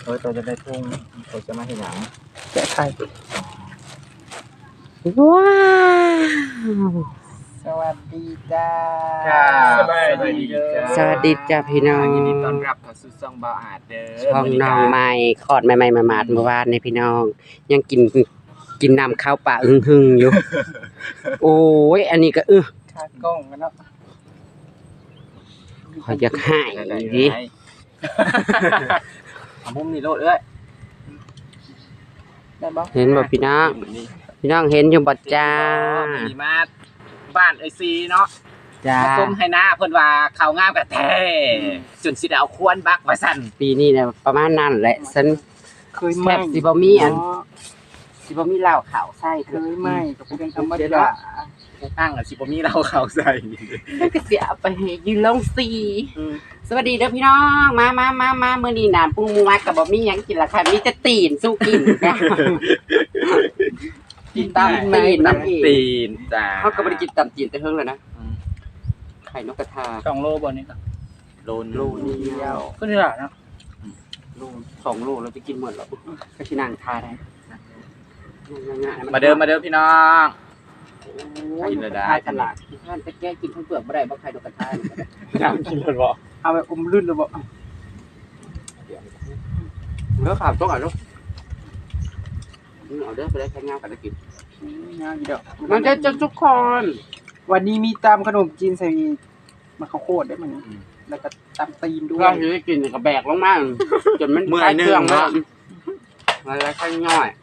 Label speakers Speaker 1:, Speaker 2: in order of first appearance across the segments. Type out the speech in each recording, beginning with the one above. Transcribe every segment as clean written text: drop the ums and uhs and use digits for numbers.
Speaker 1: ตัวจะได้ทุ่งตัวจะมาเห็นหนัง
Speaker 2: แกะไข่
Speaker 3: ว้าว
Speaker 2: สวัสดีจ้า
Speaker 1: สวัสดีจ้า
Speaker 3: สวัสดีจ้าพี่น้อง
Speaker 1: ยินดีต้อนรับเข้าสู่ช่องบ่าวอาจเด้อ
Speaker 3: ช่องน้องใหม่คลอดใหม่ๆมาๆเมื่อวานนี่พี่น้อง ยังกินน้ำข้าวปลาหึ่งๆอยู่ โอ้ยอันนี้ก็
Speaker 2: ขากล้องกันเนาะ
Speaker 3: ขอยอยากหายดิ
Speaker 1: เอามุมนี่โลดเอ้ย
Speaker 2: ได้บ่
Speaker 3: เห็นบ่พี่น้องพี่น้องเห็นอยู่บ่จ้า
Speaker 1: มีมาบ้านไอซีเนาะ
Speaker 3: จ้า
Speaker 1: มาส้มให้หน้าเพิ่นว่าเขางามกะแท้จนสิได้เอาควรบักว่าซั่น
Speaker 3: ปีนี้เนี่ยประมาณนั้นแหละฉัน
Speaker 2: เคยไห
Speaker 3: แท
Speaker 2: ม
Speaker 3: บสิบ่มีอันสิบ่มีเหล้าขาวใส่
Speaker 2: เคยไหมก็เป็นธรรมดา
Speaker 1: ตั้งอ่ะสิบ่มีเราเขาใส่
Speaker 3: แล้วก็สิเอาไปให้ยืนลงสีสวัสดีเด้อพี่น้องมามื้อนี้น้ำปรุงหมูมักก็บ่มีหยังกินละค่ะมีแต่ตีนสู้กินค่ะ กินตามตีนนั่นเอง
Speaker 1: ตีนจ้า
Speaker 3: เขาก็ไม่ได้กินตามตีนแต่เฮิงเลยนะไข่นกกระทา
Speaker 2: 2 โลบ่นี่ก็
Speaker 1: โลน
Speaker 3: โลเดียว
Speaker 2: ก็นี่ล่ะเนาะ
Speaker 3: โล2 โลเราจะกินหมดหรอก็ชินางทาได้
Speaker 1: มาเด้อพี่น้อง
Speaker 3: กินเลยได้ตลาดที่ท่านไปแก้กินทั้งเปลือกบ่ได้บ่ไข่นกกระทา
Speaker 1: น้ำกินเลยบ่
Speaker 2: เอาไปอมลื่นเลยบ่
Speaker 3: เนื้อขาวต้องอ่ะลูกเอาเด้อไปได้แค่งามกันได้กิน
Speaker 2: งามอยู่ดอก
Speaker 3: มันจะทุกคน
Speaker 2: วันนี้มีตำขนมจีนใส่มะข้าวโพดได้มั้ยแล้วก็ตำตีนด้ว
Speaker 3: เรา
Speaker 2: ย
Speaker 3: จะได้กินกับแบกลงมาจนมันคลายเครื่องแล้วอะไรข้างย่อย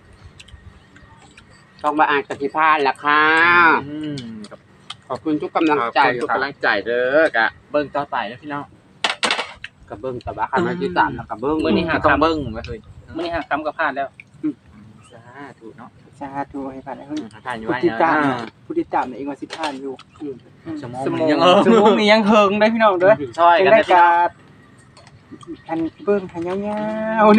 Speaker 3: ต้องมาอ่านกติภาณล่ะค่ะขอบคุณทุกกำลังใจ
Speaker 1: ทุกกำลังใจเด้อกะเบิ่งต่อไปนะพี่น้อง
Speaker 3: กระเบื้องตะบะคันมาที่สามแล้วกระเบื้อง
Speaker 1: มื้อนี้หาต้องเบิ่งไว้เฮ้ย
Speaker 2: มื้อนี้หาคำก็พลาดแล้ว
Speaker 1: สาธุเนาะ
Speaker 2: สาธุให้ผ่านให้เฮ้ย
Speaker 1: ทานอยู่
Speaker 2: ผู้
Speaker 1: ไว้
Speaker 2: ติดตาม
Speaker 1: นะ
Speaker 2: ผู้ติดตามเองว่าสิผ่านอยู่
Speaker 1: สมอง
Speaker 2: สม
Speaker 1: มัน
Speaker 2: อง
Speaker 1: ยัง
Speaker 2: สมองนี่ยังเฮิงได้พี่น้องเด้อ
Speaker 1: ช่วย
Speaker 2: จัง
Speaker 1: กัน
Speaker 2: ได้
Speaker 1: นะพี่น้
Speaker 2: กา
Speaker 1: อง
Speaker 2: รอันเบิ่งให้ยาวๆนี่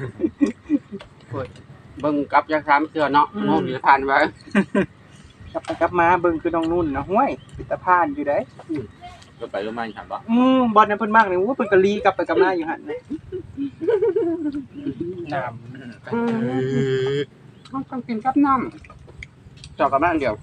Speaker 3: เบิ้งกับยักษ์สามเสือเนาะมองอยู่ผ่านไว้
Speaker 2: กลับไปกลับมาเบิ่งคือน้องนุ่นนะห้วยปิตาพานอยู่ได้
Speaker 1: ก็ไปรู้มันถามบ่
Speaker 2: บอลนั้นเพิ่นมากเลยโอ้เพิ่นก็ลีกลับไปกลับมาอยู่หั่นนะน้ำ
Speaker 3: ต้องกินกับน้ำจอกกับน้ำเดียว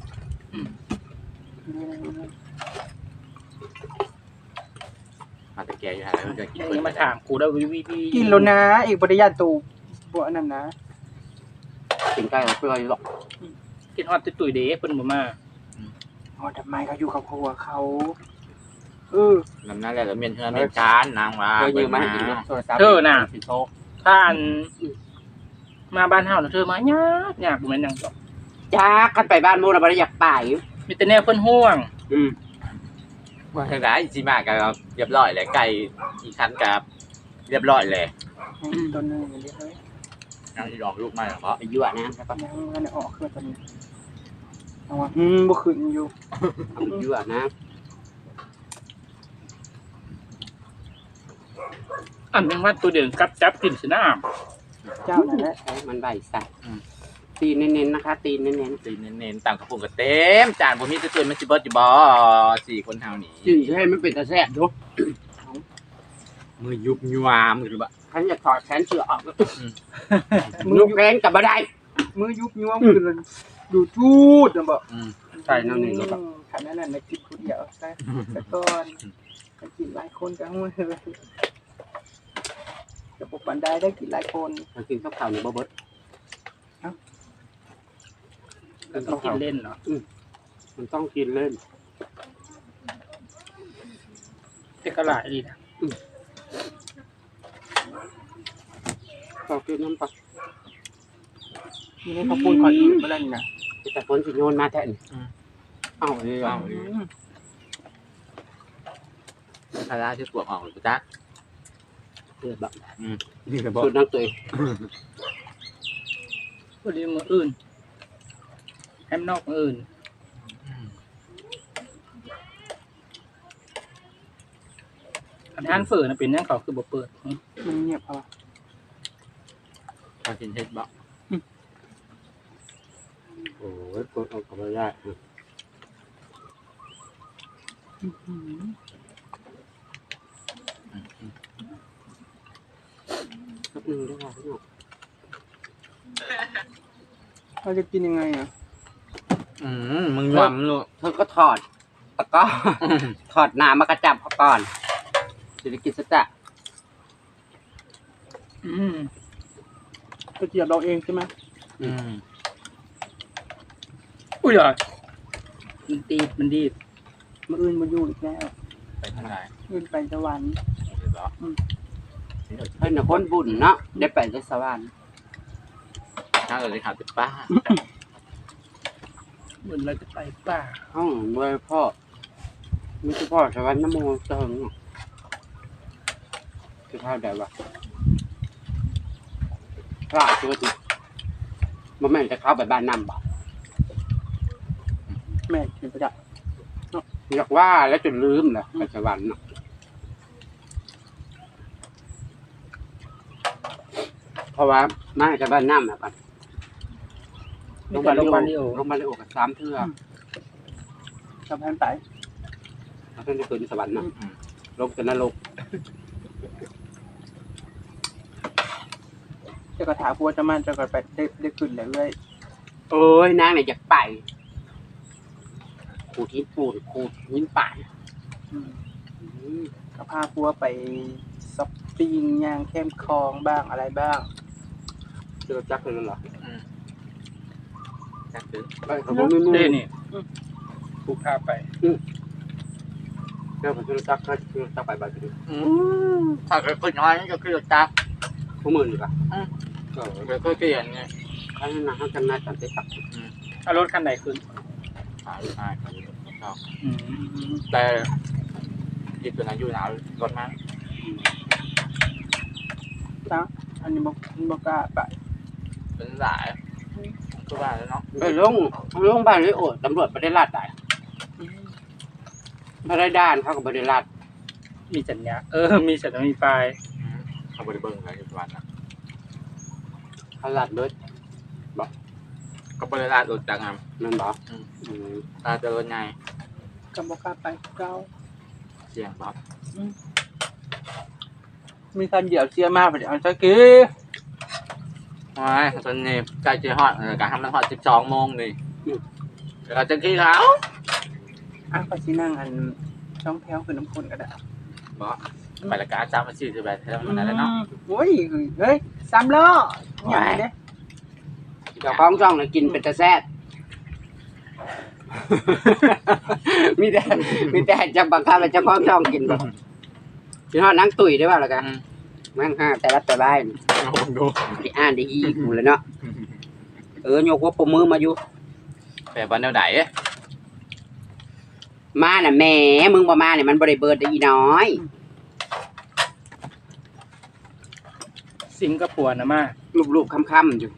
Speaker 1: มาแต่แกอยู่หาแล้วจะกิน
Speaker 2: ยังมาถามกูได้วิกินแล้วนะเอกบ่ได้ย่านตูบ่อันนั้นนะ
Speaker 3: กินใกล้กับเพื่อนหรอก
Speaker 2: กินฮอดตุ้ยๆเด้เพิ่นบ่มาอ๋อทำไมเขาอยู่กับครัวเขา
Speaker 1: น้ำหน้าแล้วเมียนเฮือเมียนจานนางว่า
Speaker 3: เคยยืมมาให้กินโทรศัพท์
Speaker 1: สิโซ
Speaker 2: ถ้าอันมาบ้านเฮาน่ะเธอมายากบ่แม่นหยังดอก
Speaker 3: จ้ากันไปบ้านโมนะบ่ได้อยากไป
Speaker 2: มีแต่แนวเพิ่นห่วง
Speaker 1: ว่าทางไหนสิมาก็เรียบร้อยแล้วไก่อีกคันกับเรียบร้อยแล้ว
Speaker 2: ตัวนึงอย่างนี้เฮ้ย
Speaker 1: ยังอีดอกลูกมาเหรอ
Speaker 3: ไปยั่วนะใช่ปะ
Speaker 2: ยังมันออกคือตัวนี้เอาว่าบ่ขึ้นอยู่
Speaker 3: ยั่วนะ
Speaker 4: อันเป็นว่าตัวเด่นกับจับกินสินะ
Speaker 2: เจ้านั่นแหละ
Speaker 3: ใช้มันใบใส่ตีเน้นๆนะคะตีเน้น
Speaker 1: ตีเน้นๆต่างกระปุกก็เต็มจานบ่มีตัวมันสิเบิดอยู่บ่4คนเฮานี่
Speaker 3: ๆจืดให้มันเป็นตะแซ่บดู
Speaker 1: มือยุบยวามหรือบ่
Speaker 3: ฉันจะถอดแขนเสือออกลูกแรงกับบ่ได้
Speaker 2: มือยุบยวมคือดูจูดนะบ่
Speaker 3: ใส่น้ำหนึ่งก็แบบ
Speaker 2: ขันนั้นน่ะกินคนเดียวซะก่อนกินหลายคนก็ห่วยเลยจะปกปันได้กินหลายคน
Speaker 3: มากินข้าวขาวในบ่เบิด
Speaker 4: ก็ต้องกินเล่นเนาะ
Speaker 3: มันต้องกินเล่น
Speaker 4: แต่ก็หลายดีนะ
Speaker 3: ต้องกินน้ำปลา
Speaker 2: นี่ให้เขาพูดขออีกบ่แล้วนี่นะ
Speaker 3: แต่คนสิโยนมาแทนเอาเลย
Speaker 1: เอาคาราที่ปวกออกหรือจ๊ะ
Speaker 3: เพื่อแบบ
Speaker 1: นี่ก็บ่
Speaker 3: สุดนักตัวเอง
Speaker 4: ก็ดีมืออื่นแฮมนอกมืออื่นอันทานเฟอร์นะเป็นนั่งเขาคือบ่เปิด
Speaker 2: มันเงียบเอา
Speaker 1: พากินเฮ็ดบ่
Speaker 3: โอ้ยกดออกกับไม่ได้แป๊บนึงด้วยค่ะพี่น้อง
Speaker 2: เราจะกินยังไงอ่ะ
Speaker 1: มึงยอมลูก
Speaker 3: เธอก็ถอดตะกร้อถอดน้ำมากระจับเขาก่อนจะได้กินสักจะ
Speaker 2: กระเจี๊ยบเราเองใช่ไหม
Speaker 4: อุ้ยเหรอมันดีด
Speaker 2: มาอื่นมาอยู่อีกแล้ว
Speaker 1: ไปทางไหน
Speaker 2: อื่นไปสวรรค์
Speaker 1: เหรอ
Speaker 3: เพิ่นน่ะคนบุญเนาะได้ไปได้สวรรค์
Speaker 1: ถ้าเราได้ขาดเป็นป้า
Speaker 4: เหมือนเราจะไปป่า
Speaker 3: ห้องด้วยพ่อมีเฉพาะสวรรค์น้ำโมเจิงจะเท่าใดวะพระจุดบ่แม่นจะเข้าไปบ้านน้ำบ่
Speaker 2: แม่เป็นประจักษ์
Speaker 3: อยากว่าแล้วจนลืมเลยไปสวรรค์เนาะเพราะว่ามาจากบ้านน้ำแบบ
Speaker 4: ลงมาลงมาเร็ว
Speaker 3: ลงมาเลยโอกับ3เทื่อ
Speaker 2: ชาวพันไป
Speaker 3: แล้วเพิ่นจะขึ้นสวรรค์เนาะลงจนนรก
Speaker 2: เจ้ากระถาพัวจะมันเจ้าก็ไปได้ขึ้นเรื่อย
Speaker 3: โอ้ยนางเนี่ยอยากไปขูดหินปูนขูดหินป่าย
Speaker 2: ๆก็พาพัวไปซ็อปปิ้งย่างเข้มคลองบ้างอะไรบ้าง
Speaker 3: เจอจักเลยนั่นเหรอ
Speaker 1: จักซื้อ
Speaker 3: ไปเขาบอกไม่รู้
Speaker 4: นี่ผูกพาไป
Speaker 3: เจอผมเจอจักเขาเจอจักไปบ้านที่
Speaker 1: ถ้าเกิดคนน้อยก็คือจัก
Speaker 3: พวกมึงดีกว่า
Speaker 1: ก็เปลี่ยนไง
Speaker 3: เขาให้มาให้กันนายกันไปตัก
Speaker 4: เอารถคันไหนขึ้น
Speaker 1: หาลูกชายแต่ยึดตัวนั้นอยู่หนาวรถมั้ง
Speaker 2: จ้าอันนี้บอกกล้าไป
Speaker 1: เป็นหลายก็ว่าแล้วเนาะ
Speaker 3: ไปลงบ้านเลยโอ้ตำรวจไม่ได้ลาดได้ไม่ได้ด้านเขาก็ไม่ได้ลาด
Speaker 4: มีสัญญามีสัญญามีไฟ
Speaker 1: เขาบริเบิงอะไรอยู่วันนะ
Speaker 3: เขาลาดเลย
Speaker 1: ก็บริลาดรถจังงาม
Speaker 3: นั่นบอก
Speaker 1: ลาดจะรถไง
Speaker 2: ก็บอกกล้าไปเก้า
Speaker 1: เสียงบ๊อบ
Speaker 2: มีการเหยียบเสียมากไปเดี๋ยวเอาสักกี้
Speaker 1: โอ้ยตอนนี้ใกล้จะฮอดการทำมันฮอด12 โมงนี่เราจะขี้เขา
Speaker 2: ก็สินั่งอันช่องแถวคือน้ำคนก็ได้
Speaker 1: บ๊อบไปละการ3 4 8เท่านั้นแล้วเนาะ
Speaker 2: โอ้ยเฮ้ย3 ล้ออย่างนี้เด้
Speaker 3: เจ้าของช่องเลยกินเป็นตะแซ่บ มีแต่จะบังคับให้เจ้าของช่องกินบ่พี่ฮอดนั่งตุ๋ยได้ป่ะล่ะกันมั่งแต่ละแต่บ้าน
Speaker 1: ดู
Speaker 3: ที่อ่านได้อีกหมดเลยเนาะโยกหัวปมมือมาอยู่
Speaker 1: แบบวันเดียวไหน
Speaker 3: มาน่ะแหม่มึงบ่มาเนี่ยมันบ่ได้เบิดได้อีน้อย
Speaker 4: สิงคโปร์นะมา
Speaker 3: รูปๆค่ำๆอยู่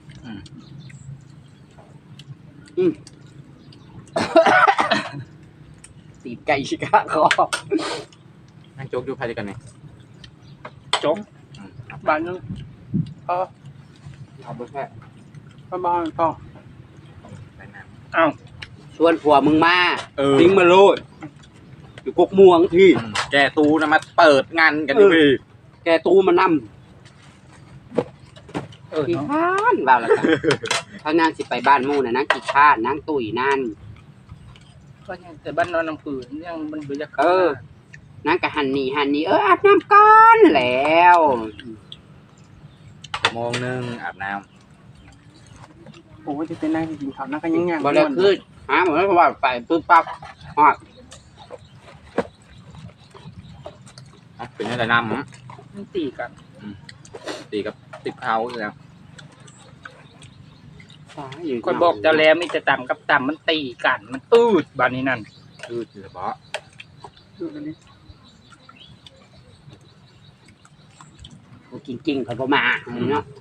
Speaker 3: ตีบไก่ชิกาคอ
Speaker 1: นั่งโจ๊กดูใครด้วยกันเนี่ย
Speaker 4: จง
Speaker 2: บ้านนึง
Speaker 3: เอาไปแค่
Speaker 2: บ้านพ่อ
Speaker 1: ไปน้
Speaker 4: อ้าว
Speaker 3: ชวนผัวมึงมา
Speaker 1: ำ
Speaker 3: ทิ้งมาโลดอยู่กกม่วงที่
Speaker 1: แกตูนะมาเปิดงานกันดิพี่
Speaker 3: แกตู้มานำ ขี้
Speaker 4: เนาะ
Speaker 3: ข้านว่าละกันถ้านางสิไปบ้านหมู่น่ะนางขี้ข้านนางตุ๋ยนั่น
Speaker 4: ก็ยังแต่บ้านนอนน้ำผืนยังมันเบื่อ
Speaker 3: นางก็หันนี่อาบน้ำก่อนแล้ว
Speaker 1: 1 โมงอาบน้
Speaker 2: โอ้ยจะเป็นนั่งกินข้าวนั่งกันยัง
Speaker 3: บ่ได้คือหาหมดแล้วว่าไปปึ๊บปั๊บฮอด
Speaker 1: ำเป็นอะไรน้ำ
Speaker 4: มันตีกัน
Speaker 1: ตีกับติดเขาแล้ว
Speaker 4: คนบอกเจ้าแล้วมีแต่ต่ำกับต่ำมันตีกันมันตืดบ้านนี้นั่น
Speaker 1: คือเฉพาะ
Speaker 2: ดูอันนี้
Speaker 3: กินกิ่งเขาบ่มาเนาะ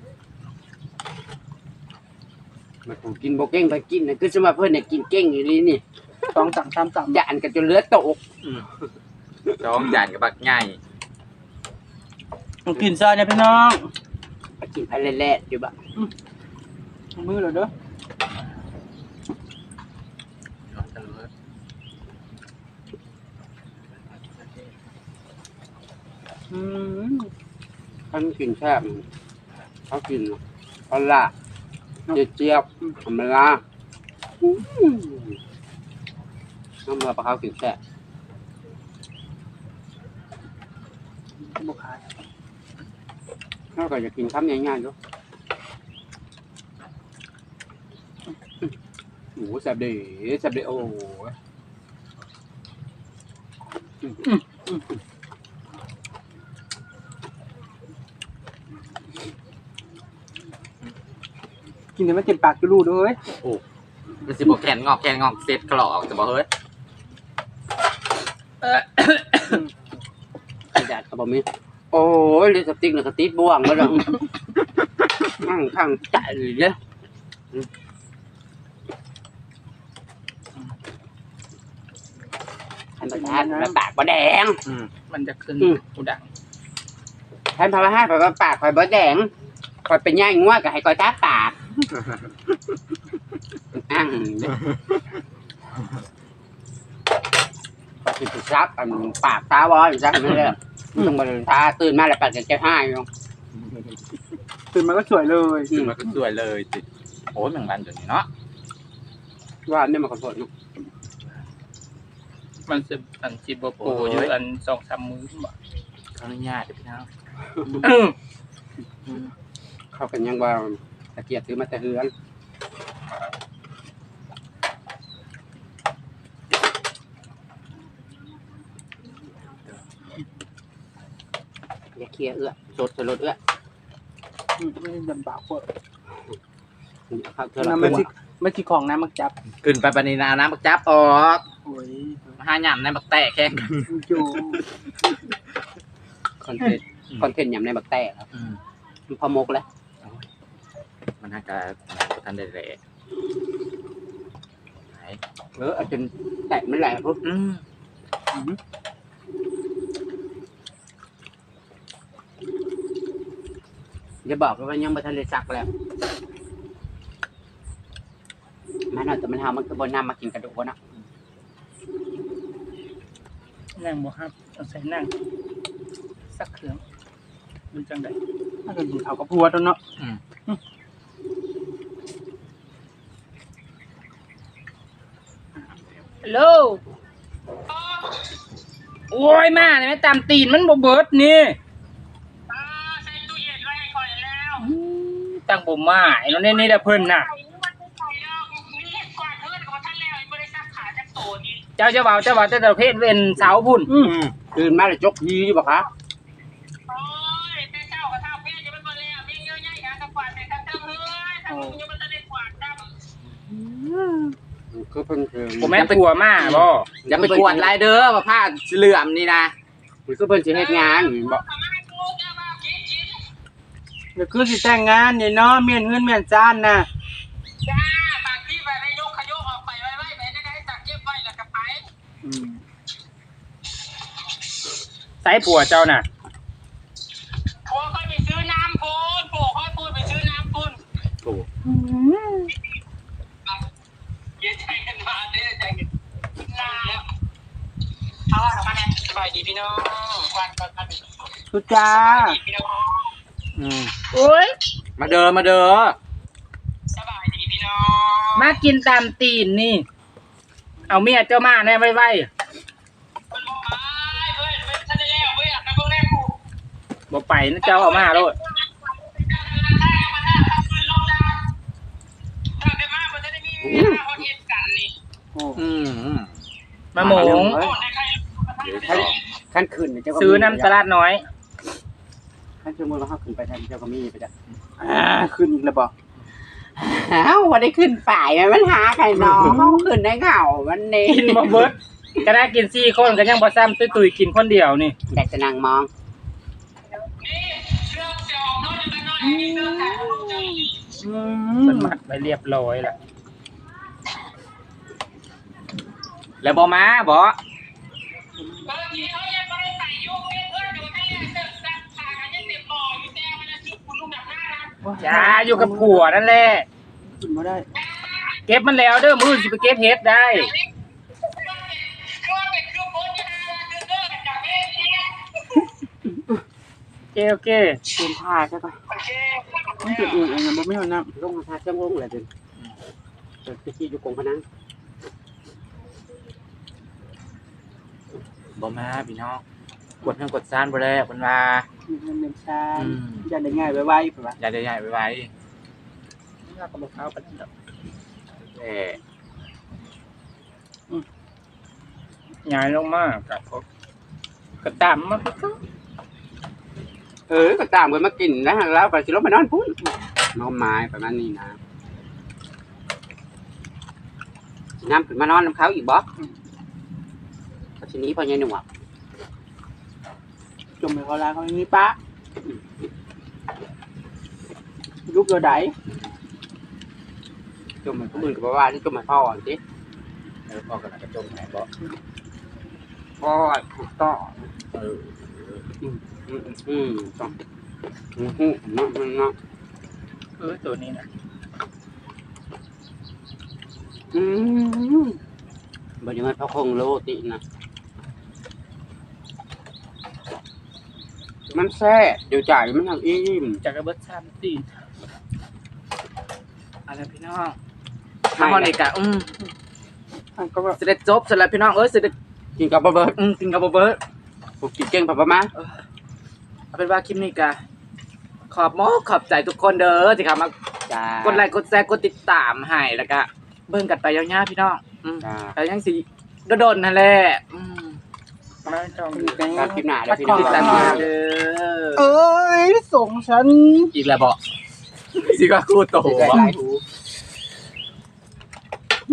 Speaker 3: มาถูกกินบ่เก่งไปกินน่ะคือสมว่าเพิ่นเนี่ยกินเก่งอีหลีนี่
Speaker 2: 2 3 3 3
Speaker 3: ย่านกันจนเลือดตก
Speaker 1: จ้องจานกับบักใหญ่
Speaker 2: กินซอยเนี่ยพี่น้อง
Speaker 3: ไปกินไปแล่ๆอยู่บ่
Speaker 2: มือเหรอเด้อ
Speaker 3: ท่านกินแซ่บเขากินเอาละเจี๊ยบธรรมดาน้ำมันปลาเขากินแซ่บ
Speaker 2: บุคาย
Speaker 3: เขาก็จะกินคำง่ายๆอยู่โอ้แซ่บดีโอ้
Speaker 2: กินแต่ไม่เต็มปากจะรู้ด้วย
Speaker 1: มันสิบ่แขนงอกเสร็จกรอกจะบ่เฮ้ย
Speaker 3: กระดาษกระบอกมีโอ้ยลิปสติกน่ะกระติดบ่วงแล้วข้างใจเลยเนี่ยท่านประธานมาปากบ่แดง
Speaker 4: มันจะขึ้นกูดัง
Speaker 3: ท่านพระให้ข่อยว่าปากข่อยบ่แดงข่อยเป็นย่างงัวก็ให้ข่อยตาปากข่อยสิซับอันปากตาบ่อยู่ซักนั่นแหละต้องบ่ตาตื่นมาแล้วปากจะหายอยู่
Speaker 2: ตื่นมาก็สวยเลย
Speaker 1: มันก็สวยเลยสิโอ้ยแมงวันเดี๋ยวนี้เนาะ
Speaker 3: ว่าเนี่ยมันขอโทษลูก
Speaker 4: มันจะอันจิบโปอยู่อัน2-3 มื้อบ่
Speaker 1: ขออนุญาตเดี๋ยวพี่น้อง
Speaker 3: เขากันยังว่าตะเกียบซื้อมาแต่เฮือนอย่าเคลียร์สดรถ
Speaker 2: ไม่ได้ดำบากเว้ย
Speaker 3: ครับเธอ
Speaker 2: น้ำมันสิของน้ำมักจับ
Speaker 1: ขึ้นไปปานนี้นาน้ำบักจับออก
Speaker 2: โอ้ย
Speaker 1: มาหาหย่ำในบักแตะแข้ง
Speaker 2: อยู่
Speaker 3: คอนเทนต์ยำในบักแต้ครับมันพอมกแล้ว
Speaker 1: มันน่าจะทันได้แหละไหน
Speaker 3: เอาจนแตะมันแหลกปุ๊บอย่าบอกว่ายังไม่ทันได้ซักแล้วมันเอาแต่มันทำมันคือบนน้ำมากินกระดูกวะเนาะ
Speaker 4: นั่งบ่ครับต้องใส่นั่งสักเครื่องมันจังได๋
Speaker 2: ถ้าเกิดกินเขาวกับพัวตัวเนาะ
Speaker 4: ฮัลโหลโอ้ยมาเนี่ยแม่ตามตีนมันบ่เบิดนี่ใส่ตู้เย็นไว้ก่อนแล้วตั้งบ่มาไอ้เนาะนี่แหละเพิ่นน่ะเจ้าเว้าแต่ประเภทเว้นเสาพุ่น
Speaker 3: ตื่นมาแล้วจกยีอยู่บ่คะ
Speaker 5: โอ้ยแต่เจ้ากับเท่าเพี้ยจะเป็นคนแล้วมีเยอะแยะอย่างกับกวาดแต่ทั้งเฮ้ยทั้งมึงยังมันจะได้กวาดดำ
Speaker 3: คือเพิ่นคือ
Speaker 4: บ่แม่นตัวมาบ่
Speaker 1: อย่าไปกวดลายเด้อว่าผ้าสีเหลื่อมนี่นะ
Speaker 3: คือเพิ่นสิเฮ็ดงานบ่
Speaker 5: ทำให้กูจะมากิน
Speaker 2: เดี๋ยวคือสิแต่งงานเนี่ยเนาะเมียนเฮือนเมียนจ้านน่ะ
Speaker 5: จ้าปากที่ไปได้ยกขยกออกไปไว้ไปได้ให้จักเก็บไว้แล้วก็ไป
Speaker 4: ใส่ผัวเจ้าน่ะ
Speaker 5: ผัวค่อยไปซื้อน้ำปูนผัวค่อยพูดไปซื้อน้ำปูน
Speaker 1: โอ้
Speaker 5: เย็นใจกันมาเด้อใจกันลาแล้วเอาออกมาเนี่ยสบายดีพี่น้องวันก่อนกัน
Speaker 2: ทุจ้า
Speaker 5: พี่น้อง
Speaker 4: โอ้ย
Speaker 1: มาเด้อ
Speaker 5: สบายดีพี่น้อง
Speaker 4: มากินตามตีนนี่ เอาเมียเจ้ามาแน่ไว้
Speaker 5: มันบอกไปเฮ้ยเป็นทันได้แล้วเฮ้ยกระเบื้องแรกกู
Speaker 4: บ่ไปนะเจ้าเอามาโลด
Speaker 2: โอ้
Speaker 4: มาหมง
Speaker 3: ขั้นขึ้นเจ้าก็
Speaker 4: ซื้อน้ำตลาดน้อย
Speaker 3: ขั้นสมมุติว่าเฮาขึ้นไปทางเจ้าก็มีไปจ้ะ
Speaker 2: ขึ้นอีกแล้วบอก
Speaker 3: อ้าวบ่ได้ขึ้นฝ่ายมันหาไข่น้องเฮาขึ้นได้เหงามันนี่
Speaker 4: กินบ่เบิดก็ได้กิน4 คนก็ยังบ่ซ้ำตุ้ยๆกินคนเดียวนี่
Speaker 3: ได้แต่นั่งมอง
Speaker 4: มันมัดไปเรียบร้อยแล้ว
Speaker 1: แล้วบ่มาบ่
Speaker 4: จ้าอยู่กับผัวนั่นแหละ
Speaker 2: ขึ้นมาได้
Speaker 4: เก็บมันแล้วเด้อมื้อสิไปเก็บเฮ็ดได้โอเค
Speaker 3: เป็นท่าใช่ปะ
Speaker 5: โอเค
Speaker 2: มันจุดอื่นเองนะบ่มีหัวน้
Speaker 3: ลงมาทาเจ้าลงเลยจนไปขี้อยู่กงพนัง
Speaker 1: บ่มาพี่น้องกดเงินกดซ่านบ่แล้วเพิ่นว่า
Speaker 2: ำมันเป็นชาอย่าได้ง่ายไวๆเปล่า
Speaker 1: อย่าได้ใหญ่ไว้
Speaker 4: นี่ก็บอกเขาไปที่ดอก
Speaker 1: แหม่
Speaker 4: ย้ายลงมากับพวกกระตามมาก็
Speaker 3: ก็ตามกันมากินนะแล้วไปสิลงมานอนพุ่นน้องไม้ประมาณนี้นะน้ำขึ้นมานอนน้ำเขาอีกบ่ทีนี้พอยังหนุ่ม
Speaker 2: จมไปเขาลาเขาอย่างนี้ป้าลูกเดือดไหน
Speaker 3: จมเหมือนผู้อื่นกับว่าที่จมเหมือนพ่อสิ
Speaker 1: แล้วพ่อก็น่าจะจมหายบ่
Speaker 3: พ่อถูกต้อง
Speaker 1: เออ
Speaker 3: ต้องเนาะ
Speaker 4: ตัวนี้นะ
Speaker 3: บริมันพระคงโลตินะมันแซ่เดี๋ยวจ่ายมันทำอิ่ม
Speaker 4: จากกระเบิดชามตีน
Speaker 1: อะไรพี่น้องถ้าพอนี่กะ
Speaker 2: มันก็แบบ
Speaker 1: สิได้จบสำหรับพี่น้องสิได้
Speaker 3: กินกับเบิร์ด
Speaker 1: กินกับบ่เบิด
Speaker 3: ผมกินเก่งประมาณ
Speaker 1: เอาเป็นว่าคลิปนี้กะขอบใจทุกคนเด้อที่เข้ามาก ดไลค์กดแชร์กดติดตามให้แล้วก็เบิ่งกันไปยาวๆพี่น้องแต่ยังสิโดนๆนั่นแหละ
Speaker 4: มาจ้อง
Speaker 3: การกินหนาเดี๋ยวพี่น้
Speaker 1: ติดตาม
Speaker 3: อง
Speaker 1: เด้อ
Speaker 2: เอ้ยส่งฉัน
Speaker 1: อีกแล้วบ่สิว่าคู่โต
Speaker 3: ใจ
Speaker 1: บ่
Speaker 3: หลายหู